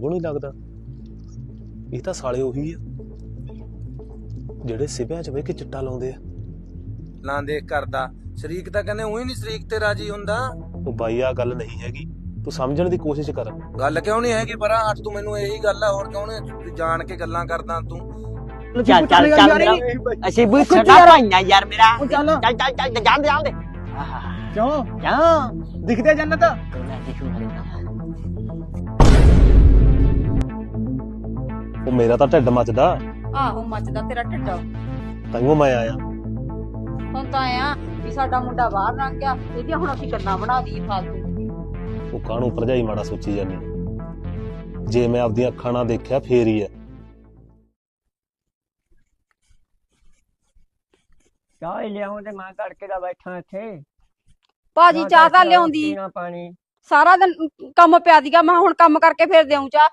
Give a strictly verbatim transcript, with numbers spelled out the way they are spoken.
ਉਹ ਨਹੀਂ ਲੱਗਦਾ ਇਹ ਤਾਂ ਸਾਲੇ ਉਹੀ ਆ ਜਿਹੜੇ ਸਿਵਿਆਂ 'ਚ ਬਹਿ ਕੇ ਚਿੱਟਾ ਲਾਉਂਦੇ ਆ। ਲਾਂ ਦੇਖ ਕਰਦਾ ਸ਼ਰੀਕ ਤਾਂ ਕਹਿੰਦੇ ਉਹੀ ਨਹੀਂ ਸ਼ਰੀਕ ਤੇ ਰਾਜੀ ਹੁੰਦਾ। ਉਹ ਬਾਈ ਆ ਗੱਲ ਨਹੀਂ ਹੈਗੀ, ਤੂੰ ਸਮਝਣ ਦੀ ਕੋਸ਼ਿਸ਼ ਕਰ। ਗੱਲ ਕਿਉਂ ਨਹੀਂ ਹੈਗੀ ਪਰਾਂ ਅੱਜ ਤੂੰ ਮੈਨੂੰ ਇਹੀ ਗੱਲ ਆ, ਹੋਰ ਕਿਉਂ ਨਹੀਂ ਜਾਣ ਕੇ ਗੱਲਾਂ ਕਰਦਾ ਤੂੰ। ਚੱਲ ਚੱਲ ਚੱਲ ਮੇਰਾ ਅਸੀਂ ਵੀ ਛੱਡਾ ਭਾਈਆਂ ਯਾਰ ਮੇਰਾ ਚੱਲ ਚੱਲ ਚੱਲ ਚੱਲ ਜਾਣ ਦੇ ਜਾਣ ਦੇ ਕਿਉਂ ਕਿਉਂ ਦਿਖਦੇ ਜੰਨਤ ਉਹ ਮੇਰਾ ਤਾਂ ਢਿੱਡ ਮੱਚਦਾ, ਆਹੋ ਮੱਚਦਾ ਤੇਰਾ ਢਿੱਡ। ਤਾਂਹੀਓ ਮੈਂ ਆਇਆ। ਹੁਣ ਤਾਂ ਆਇਆ ਵੀ ਸਾਡਾ ਮੁੰਡਾ ਬਾਹਰ ਲੰਘ ਗਿਆ, ਇਹਦੀਆਂ ਹੁਣ ਅਸੀਂ ਗੱਲਾਂ ਬਣਾ ਦਈਏ ਫਾਲਤੂ। ਉਹ ਕਾਹਨੂੰ ਭਰਜਾਈ ਮਾੜਾ ਸੋਚੀ ਜਾਂਦੀ, ਜੇ ਮੈਂ ਆਪਦੀਆਂ ਅੱਖਾਂ ਨਾਲ ਦੇਖਿਆ ਫੇਰ ਹੀ ਹੈ। ਚਾਹ ਲਿਆਉਂ ਤੇ ਮੈਂ ਤੜਕੇ ਦਾ ਬੈਠਾ ਇੱਥੇ। ਭਾਜੀ ਚਾਹ ਤਾਂ ਲਿਆਉਂਦੀ, ਪਾਣੀ ਸਾਰਾ ਦਿਨ ਕੰਮ ਪਿਆ ਦੀਗਾ, ਮੈਂ ਹੁਣ ਕੰਮ ਕਰਕੇ ਫੇਰ ਦੇਉਂ ਚਾਹ।